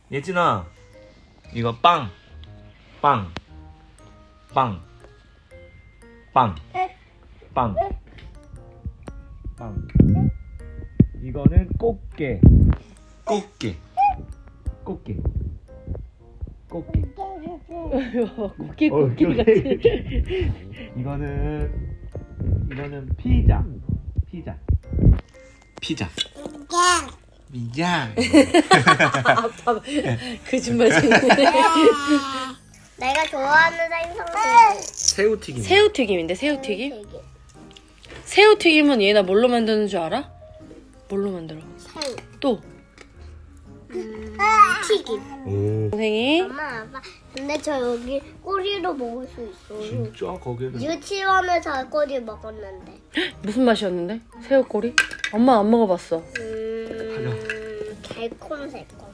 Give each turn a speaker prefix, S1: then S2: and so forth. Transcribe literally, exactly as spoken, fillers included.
S1: 예진아, 이거 빵, 빵, 빵, 빵, 빵, 빵. 이거는 꽃게, 꽃게, 꽃게, 꽃게.
S2: 고기 고기
S1: 어,
S2: 같은.
S1: 이거는 이거는 피자, 피자, 피자. 미장.
S2: 아빠 거짓말 치네.
S3: 내가 좋아하는 생선은
S1: 새우튀김.
S2: 새우튀김인데 새우튀김? 새우튀김은 얘나 뭘로 만드는 줄 알아? 뭘로 만들어?
S3: 새우
S2: 또
S3: 튀김.
S1: 오.
S2: 선생님.
S3: 엄마 아빠 근데 저 여기 꼬리로 먹을 수 있어요.
S1: 진짜 거기는.
S3: 유치원에서 꼬리 먹었는데.
S2: 무슨 맛이었는데? 새우꼬리? 엄마 안 먹어봤어.
S3: 음, 달콤 새콤.